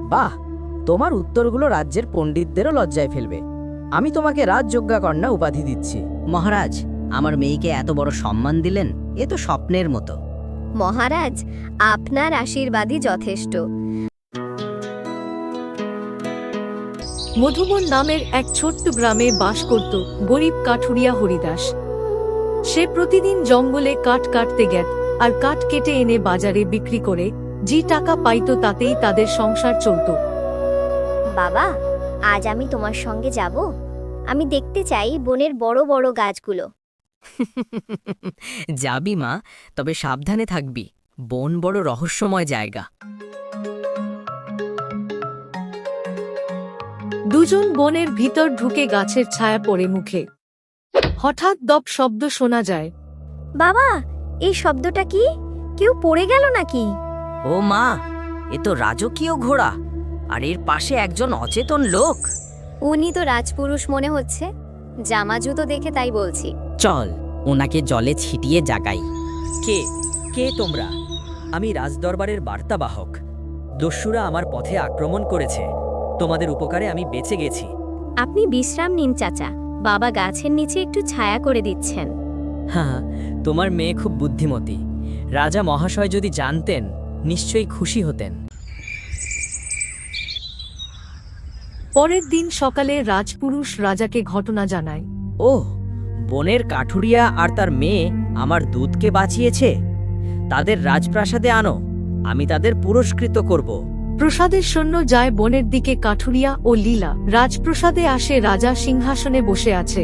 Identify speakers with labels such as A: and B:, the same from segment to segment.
A: বাহ, তোমার উত্তরগুলো রাজ্যের পণ্ডিতদেরও লজ্জায় ফেলবে। আমি তোমাকে রাজযোগ্যা কন্যা উপাধি দিচ্ছি।
B: মহারাজ, আমার মেয়েকে এত বড় সম্মান দিলেন, এ তো স্বপ্নের মতো।
C: মহারাজ, আপনার আশীর্বাদই যথেষ্ট।
D: মধুবন নামের এক ছোট্ট গ্রামে বাস করত গরিব কাঠুরিয়া হরিদাস। সে প্রতিদিন জঙ্গলে কাঠ কাটতে গেত, আর কাঠ কেটে এনে বাজারে বিক্রি করে যে টাকা পাইত তাতেই তাদের সংসার চলত।
C: বাবা, আজ আমি তোমার সঙ্গে যাব। আমি দেখতে চাই বনের বড় বড় গাছগুলো।
B: যাবি মা, তবে সাবধানে থাকবি। বন বড় রহস্যময় জায়গা।
D: দুজন বনের ভিতর ঢুকে গাছের ছায়া পড়ে মুখে। হঠাৎ দপ শব্দ শোনা যায়।
C: বাবা, এই শব্দটা কি? কেউ পড়ে গেল নাকি?
B: ও মা, এ তো রাজকীয় ঘোড়া, আর এর পাশে একজন অচেতন লোক।
C: উনি তো রাজপুরুষ মনে হচ্ছে। জামা জুতো দেখে তাই বলছি।
B: চল, ওনাকে জলে ছিটিয়ে জাগাই।
A: কে কে তোমরা? আমি রাজদরবারের বার্তাবাহক। দস্যুরা আমার পথে আক্রমণ করেছে। তোমাদের উপকারে আমি বেঁচে গেছি।
C: আপনি বিশ্রাম নিন চাচা। বাবা গাছের নিচে একটু ছায়া করে দিচ্ছেন।
A: হ্যাঁ, তোমার মেয়ে খুব বুদ্ধিমতী। রাজা মহাশয় যদি জানতেন, নিশ্চয়ই খুশি হতেন।
D: পরের দিন সকালে রাজপুরুষ রাজাকে ঘটনা জানায়।
A: ওহ, বনের কাঠুরিয়া আর তার মেয়ে আমার দুধকে বাঁচিয়েছে। তাদের রাজপ্রাসাদে আনো, আমি তাদের পুরস্কৃত করব।
D: প্রসাদের সৈন্য যায় বনের দিকে। কাঠুরিয়া ও লীলা রাজপ্রাসাদে আসে। রাজা সিংহাসনে বসে আছে।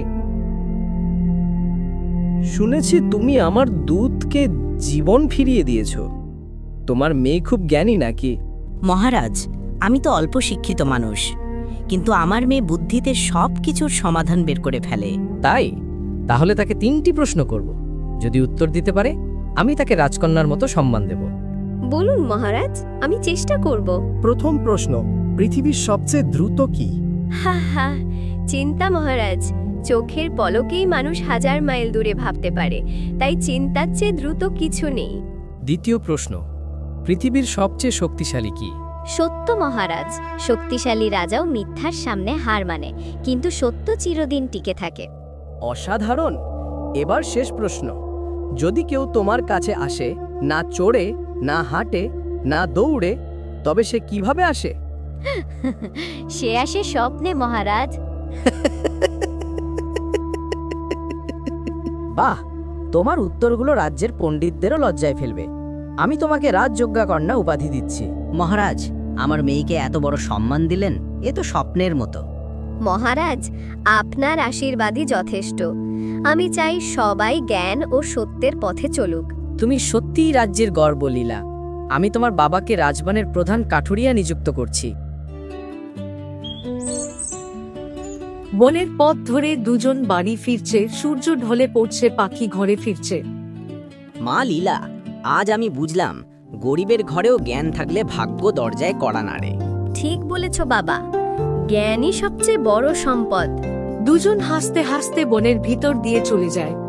E: শুনেছি তুমি আমার দুধকে জীবন ফিরিয়ে দিয়েছো। তোমার মেয়ে খুব জ্ঞানী নাকি?
B: মহারাজ, আমি তো অল্প শিক্ষিত মানুষ, কিন্তু আমার মেয়ে বুদ্ধিতে সব কিছুর সমাধান বের করে ফেলে।
A: তাই? তাহলে তাকে 3টি প্রশ্ন করব। যদি উত্তর দিতে পারে, আমি তাকে রাজকন্যার মতো সম্মান দেব।
C: বলুন মহারাজ, আমি চেষ্টা করব।
E: প্রথম প্রশ্ন, পৃথিবীর সবচেয়ে দ্রুত কি?
C: হা হা, চিন্তা মহারাজ। চোখের পলকেই মানুষ 1000 মাইল দূরে ভাবতে পারে, তাই চিন্তার চেয়ে দ্রুত কিছু নেই।
E: দ্বিতীয় প্রশ্ন, পৃথিবীর সবচেয়ে শক্তিশালী কি?
C: সত্য মহারাজ। শক্তিশালী রাজাও মিথ্যার সামনে হার মানে, কিন্তু সত্য চিরদিন টিকে থাকে।
E: অসাধারণ। এবার শেষ প্রশ্ন, যদি কেউ তোমার কাছে আসে, না চড়ে, না হাঁটে, না দৌড়ে, তবে সে কিভাবে আসে?
C: সে আসে স্বপ্নে মহারাজ।
A: বাহ, তোমার উত্তরগুলো রাজ্যের পণ্ডিতদেরও লজ্জায় ফেলবে। আমি তোমাকে রাজযোগ্যা কন্যা উপাধি দিচ্ছি।
B: মহারাজ, আমার মেয়েকে এত বড় সম্মান দিলেন, এ তো স্বপ্নের মতো।
C: মহারাজ, আপনার আশীর্বাদই যথেষ্ট। আমি চাই সবাই জ্ঞান ও সত্যের পথে চলুক।
A: তুমি সত্যিই রাজ্যের গর্ব লীলা। আমি তোমার বাবাকে রাজবানের প্রধান কাঠুরিয়া নিযুক্ত করছি।
D: বনের পথ ধরে দুজন বাড়ি ফিরছে। সূর্য ঢলে পড়ছে, পাখি ঘরে ফিরছে।
B: মা লীলা, আজ আমি বুঝলাম, গরিবের ঘরেও জ্ঞান থাকলে ভাগ্য দরজায় কড়া নাড়ে।
C: ঠিক বলেছ বাবা, জ্ঞানই সবচেয়ে বড় সম্পদ।
D: দুজন হাসতে হাসতে বনের ভিতর দিয়ে চলে যায়।